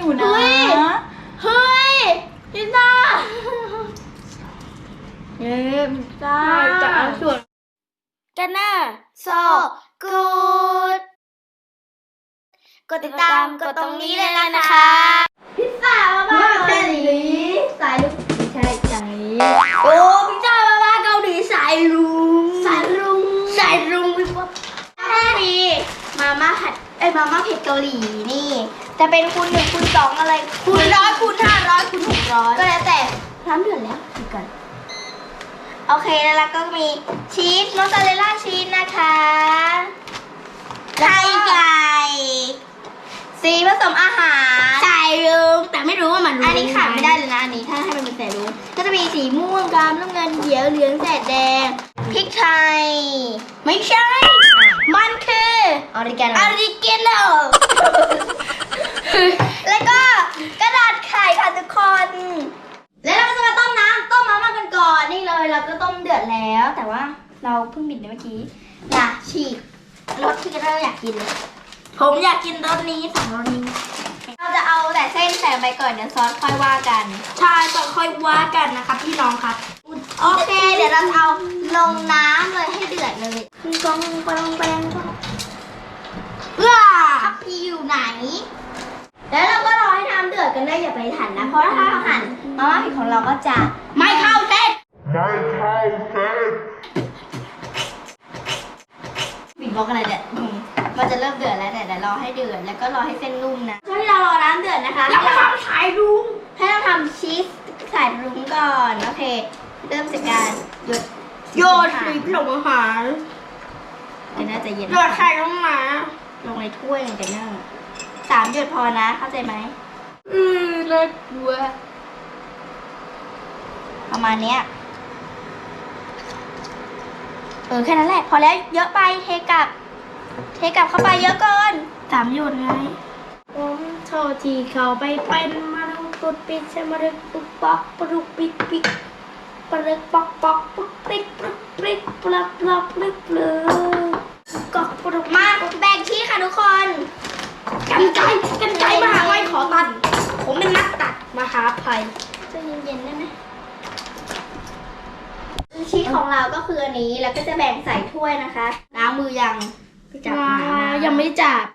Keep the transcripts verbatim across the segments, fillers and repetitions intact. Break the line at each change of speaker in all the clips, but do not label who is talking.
อยู่นะ
เฮ้ยพิซซ่าเย้พิซซ่าจากส่วนกันนะโซกูดกดติดตามกดตรงนี้เลยนะคะพิซซ่าบ้าเกาหลีสายลุงไม่ใช่สายโอ้พิซซ่าบ้าเกาหลีสายลุงสายลุงสายลุงพี่ป๊อปมีมาม่าผัดเอ้ยมาม่าเผ็ดเกาหลีนี่จะเป็นคูณหนึ่งคูณสองอะไรคูณร้อยคูณห้าร้อยคูณหกร้อยก็แล้วแต่น้ำเดือดแล้วดูกันโอเคแล้วก็มีชีสมอสซาเรลล่าชีสนะคะไข่ไก่สีผสมอาหารใส่ลุงแต่ไม่รู้ว่ามันอันนี้ขาดไม่ได้เลยนะอันนี้ถ้าให้มันเป็นใส่ลุงก็จะมีสีม่วงดำน้ำเงินเขียวเหลืองแสดแดงพริกไทยไม่ใช่มันคือออริกาโนออริกาโนแล้วก็กระดาษไข่ค่ะทุกคนแล้วเราก็จะมาต้มน้ำต้มมาม่ากันก่อนนี่เลยเราก็ต้มเดือดแล้วแต่ว่าเราเพิ่งบิดเมื่อกี้อย่าฉีกรสที่เราอยากกินเลยผมอยากกินรสนี้สองรสนี้เราจะเอาแต่เส้นใส่ไปก่อนเดี๋ยวซอสค่อยว่ากันใช่ซอสค่อยว่ากันนะครับพี่น้องครับโอเคเดี๋ยวเราจะเอาลงน้ำเลยให้เดือดเลยกองปองแปงเพื่อทัพพีอยู่ไหนแล้วเราก็รอให้น้ำเดือดกันได้อย่าไปหันนะเพราะถ้าเราหันมาม่าผิดของเราก็จะไม่เข้าเส้นไม่เข้าเส้นบิดบล็อกอะไรเนี่ยมันจะเริ่มเดือดแล้วแต่เดี๋ยวรอให้เดือดแล้วก็รอให้เส้นนุ่มนะช่วงที่เรารอน้ำเดือดนะคะเราทำสายรุ้งให้เราทำชีสสายรุ้งก่อนโอเคเริ่มจากการหยดโยนสีผสมอาหารเดี๋ยวน่าจะเย็นหยดไข่ลงมาลงในถ้วยกันเนอะสามหยดพอนะเข้าใจไหมอือน่ากลัวประมาณเนี้ยเออแค่นั้นแหละพอแล้วเยอะไปเทกลับเทกลับเข้าไปเยอะเกินสามหยดไงผมโทษทีเขาไปเป็นมาลุกตุดปิดใช่มาลุกปุ๊บป๊อกปลุกปิดปิดปลุกป๊อกป๊อกปุ๊บปิดปุ๊บปิดปลับปลับปลึกปลึกกอกปลุกมาแบ่งที่ค่ะทุกคนกันไกกันไกมหาลัยขอตัดผมเป็นนักตัดมหาภัยจะเย็นๆได้ไหมชีสของเราก็คืออันนี้แล้วก็จะแบ่งใส่ถ้วยนะคะล้างมือยังจับยังไม่จับ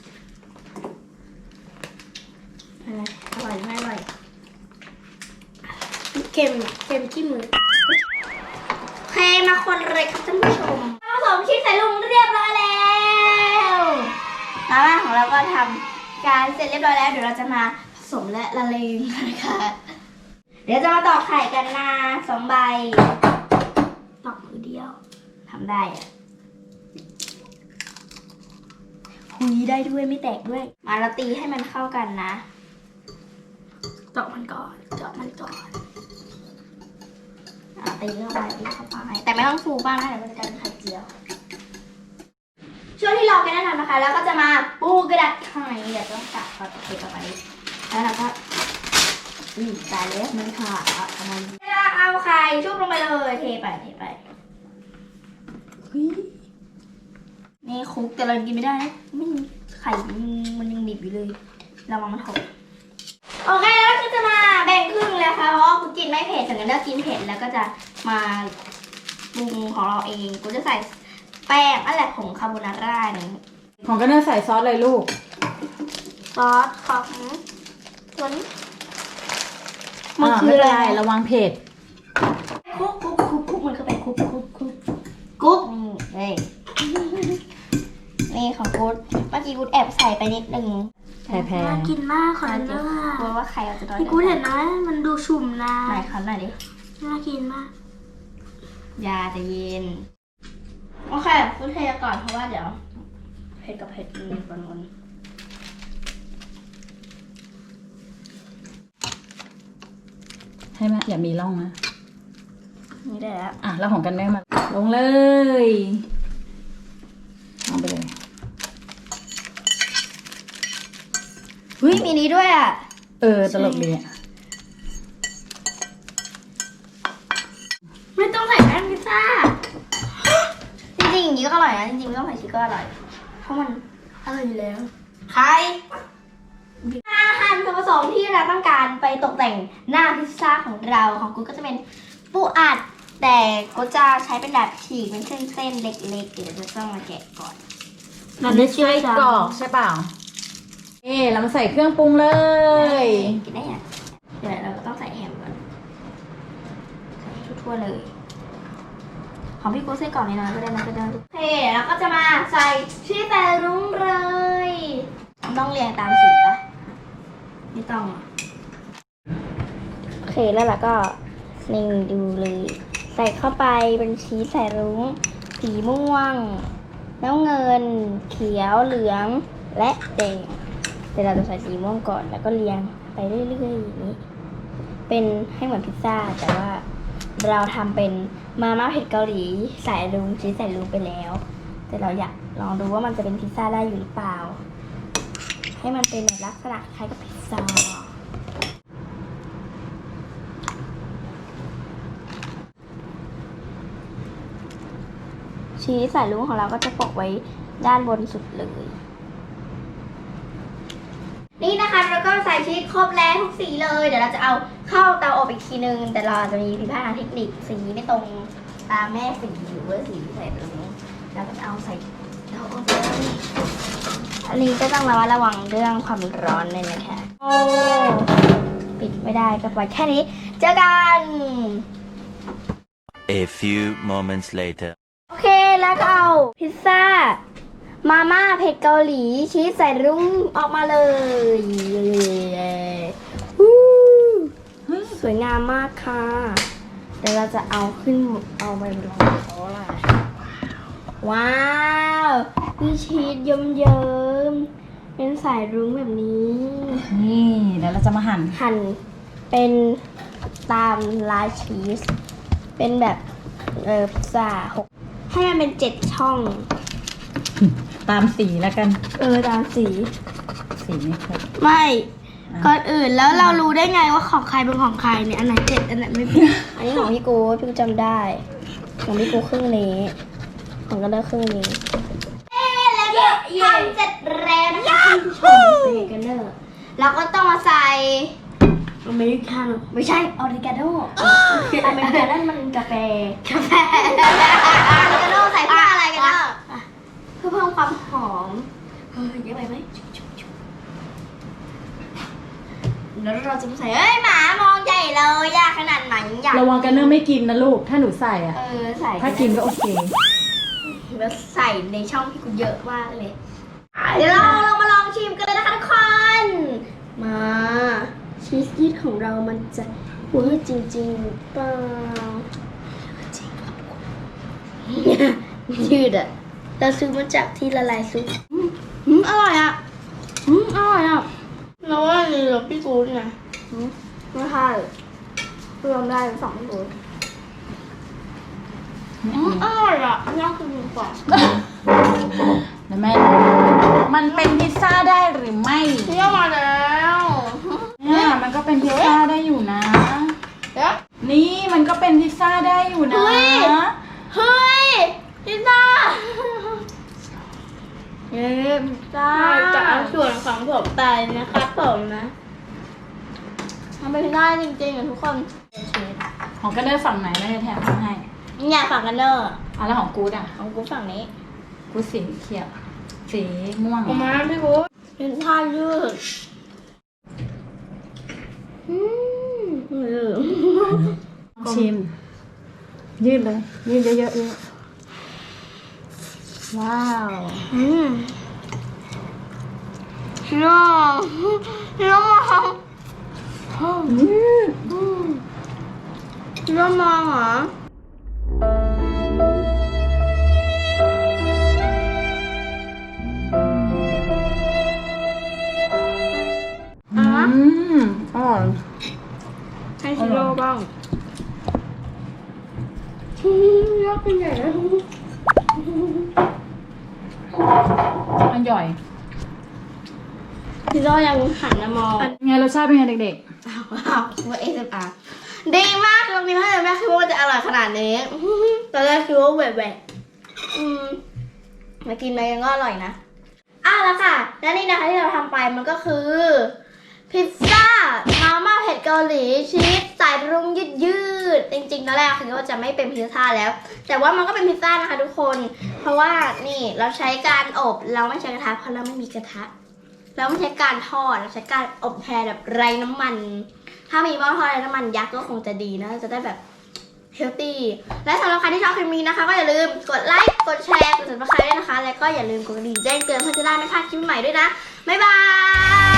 อะไรอร่อยไม่อร่อยเค็มเค็มที่มือโอเคมาคนเลยครับท่านผู้ชมผสมชีสใส่ลงเรียบร้อยแล้วมาม่าของเราก็ทำการเสร็จเรียบร้อยแล้วเดี๋ยวเราจะมาผสมและละเลงนะคะเดี๋ยวจะมาตอกไข่กันนะสองใบตอกมือเดียวทำได้อะคุยได้ด้วยไม่แตกด้วยมาเราตีให้มันเข้ากันนะเจาะมันก่อนเจาะมันก่อนตีเข้าไปตีเข้าไปแต่ไม่ต้องฟูบ้างนะเดี๋ยวมันจะกลายเป็นไข่เจียวช่วงที่รอกันได้ทำนะคะแล้วก็จะมาปูกระดาษไข่เดี๋ยวต้องตัดพอตัดเข้าไปแล้วเราก็อืมตายแล้วมันขาดอ่ะทำไมเอาไข่ชุบลงไปเลยเทไปเทไปนี่คุกแต่เรากินไม่ได้นะไม่ไข่มันยังดิบอยู่เลยเรามามันหกโอเคแล้วก็จะมาแบ่งครึ่งเลยค่ะเพราะกูกินไม่เผ็ดถึงจะกินเผ็ดแล้วก็จะมาปรุงของเราเองกูจะใส่แป้งอะไรผงคาโบนาร่านี่
ของก็เนื้อใส่ซอสเลยลูก
ซอสของส่วน
มันคืออะไรระวังเผ็ด
คุกคุกคุกคุกมันคือเป็นคุกคุกคุกกุ๊กนี่เฮ้ยนี่ของกู๊ดเมื่อกี้กู๊ดแอบใส่ไปนิดนึง
แพ้แพ้
น่ากินมากขอเนื้อกลัวว่าไข่เราจะโดนพี่กู๊ดเห็นนะมันดูชุ่มนะไหนขอหน่อยดิน่ากินมากยาจะเย็นโอเคกูเทก่อนเพราะว่าเดี๋ยวเผ็ดกับเผ็ดมันปนกัน
ให้แม่อย่ามีร่องนะ
นี่ได้แล้ว
อ่ะแล้วของกันแม่มาลงเลยเอาไปเลย
เฮ้ยมีนี้ด้วยอ่ะ
เออตลกดีอ่ะ
ไม่ต้องใส่แป้งพิซซ่าจริงๆอย่างนี้ก็อร่อยนะจริงๆไม่ต้องใส่ชีสก็อร่อยเพราะมันอร่อยอยู่แล้วใครอาหารส่วนผสสมที่เราต้องการไปตกแต่งหน้าพิซซ่าของเราของกูก็จะเป็นปูอัดแต่กูจะใช้เป็นแบบฉีกเป็นเส้นๆเล็กๆเดี๋ยวจะต้องมาแกะก่อน
มันไม่ใช่กรอกใช่เปล่าเอ๊เรามาใส่เครื่องปรุงเลย
กินได้ยังเดี๋ยวเราก็ต้องใส่แฮมก่อนใส่ทั่วๆเลยของพี่กูใส่ก่อนเลยนะก็ได้นะก็ได้โอเคแล้วก็จะมาใส่ชีสแต่รุ้งเลยต้องเรียงตามสีปะไม่ต้องอ่ะโอเคแล้วเราก็นิ่งดูเลยใส่เข้าไปเป็นชีสใส่รุ้งสีม่วงน้ำเงินเขียวเหลืองและแดงเดี๋ยวเราจะใส่สีม่วงก่อนแล้วก็เรียงไปเรื่อยๆอย่างนี้เป็นให้เหมือนพิซซ่าแต่ว่าเราทำเป็นมาม่าเผ็ดเกาหลีใส่รุ้งชีสใส่รุ้งไปแล้วแต่เราอยากลองดูว่ามันจะเป็นพิซซ่าได้อยู่หรือเปล่าให้มันเป็นแบบลักษณะคล้ายกับพิซซ่าชีสใส่รุ้งของเราก็จะโปะไว้ด้านบนสุดเลยนี่นะคะเราก็ใส่ชีสครบแล้วทุกสีเลยเดี๋ยวเราจะเอาเข้าเตาอบอีกทีนึงแต่เราจะมีผิดพลาดทางเทคนิคสีไม่ตรงตามแม่สีหรือว่าสีที่ใส่รุ้งเราก็จะเอาใส่เตาอบอันนี้ก็ต้องระมัดระวังเรื่องความร้อนเลยนะคะโอ้ปิดไม่ได้ก็ปล่อยแค่นี้เจอกัน
A few moments later.
โอเคแล้วก็เอาพิซซ่ามาม่าเผ็ดเกาหลีชีสใส่รุ้งออกมาเลยวู้สวยงามมากค่ะเดี๋ยวเราจะเอาขึ้นเอาไปลองเขาล่ะว้าวมีชีสเยิ้มๆเป็นสายรุ้งแบบนี้
นี่เดี๋ยวเราจะมาหั่น
หั่นเป็นตามลายชีสเป็นแบบเออพิซซ่าหกให้มันเป็นเจ็ดช่อง
ตามสีแล้วกัน
เออตามสี
สีไม่ครบ
ไม่ก่อนอื่นแล้วเรารู้ได้ไงว่าของใครเป็นของใครเนี่ยอันไหนเจ็ดอันไหนไม่เป็น อันนี้ของพี่กูพี่กูจำได้ของพี่กูครึ่งนี้ของก็ได้ครึ่งนี้เอ๊แล้วก็ทำเสร็จแล้วนะคะคุณผู้ชมเป็นกันเนอร์เราก็ต้องมาใส่อเมริกาโน่ไม่ใช่ออริกาโน่อเมริกานั่นมันกาแฟกาแฟออริกาโน่ใส่เพื่ออะไรกันเนอะเพื่อเพิ่มความหอมเฮ้ยเยอะไปไหมแล้วเราจะใส่เอ้ยหมามองใหญ่เลยยากขนาดไหนอยาก
ระวังกันเนอร์ไม่กินนะลูกถ้าหนูใส่อ่ะ
เออใส่
ถ้ากินก็โอเค
แล้วใส่ในช่องที่กูเยอะมากเลยเดี๋ยวเราลองมาลองชิมกันเลยนะคะทุกคนมาชีสยืดของเรามันจะเวอร์จริงๆหรือเปล่าจริงครับยืดอ่ะเราซื้อมาจากที่ละลายซุปอืมอร่อยอ่ะอืมอร่อยอ่ะเราว่านี่เราพี่กูนี่นะไม่ใช่เพิ่มได้สองตัวอืมอร่อยอ่ะน่ากินกว่า
แล้วแม่มันเป็นพิซซ่าได้หรือไม่
เที่ยวมาแล้ว
เนี่ยมันก็เป็นพิซซ่าได้อยู่นะ
เดี๋ยว
นี่มันก็เป็นพิซซ่าได้อยู่นะ
เฮ้ย เฮ้ยพิซซ่าเย้พิซซ่าจากส่วนของผมไปนะครับผมนะทำเป็นได้จริงๆอ่ะทุกคน
ของกันเนอร์ฝั่งไหนไม่ได้แถมมาให้
อยากฝั่งกันเนอร์
อ่ะแล้วของกูดอ่ะ
ของกูฝั่งนี้
กูสีเขียวสีม่วง
ออกมาพี่กูเป็นท่ายืดอืมเออ
ชิม ยืดเลย ยืดเยอะๆเลยว้าว
อืมชิโร่ชิโร่มอง
ยืด
ชิโร่มองเหรออ่ะ
อืมอร่อย
ให้ชิโร่บ้างยากเป็นใหญ่แล้ว
อร่อย
ชิโร่ยังหันมามอง
ไงรสชาติเป็นไงเด็ก
ว้าวว่าเอสเอ็มอาร์ดีมากตรงนี้ถ้าจะไม่คิดว่ามันจะอร่อยขนาดนี้ตอนแรกคิดว่าแหวกๆอืมมากินไปยังก็อร่อยนะอ้าวแล้วค่ะ และนี่นะคะที่เราทำไปมันก็คือพิซซ่ามาม่าเผ็ดเกาหลีชีสใส่รุ้งยืดยืดจริงๆตอนแรกคือว่าจะไม่เป็นพิซซ่าแล้ว แต่ว่ามันก็เป็นพิซซ่านะคะทุกคนเพราะว่านี่เราใช้การอบเราไม่ใช้กระทะเพราะเราไม่มีกระทะเราไม่ใช้การทอดเราใช้การอบแทนแบบไร้น้ำมันถ้ามีหม้อทอดไร้น้ำมันยักษ์ก็คงจะดีนะจะได้แบบเฮลตี้และสำหรับใครที่ชอบคลิปนี้นะคะก็อย่าลืมกดไลค์กดแชร์กด ซับสไครบ์ ด้วยนะคะและก็อย่าลืมกดกระดิ่งแจ้งเตือนเพื่อจะได้ไม่พลาดคลิปใหม่ด้วยนะบ๊ายบาย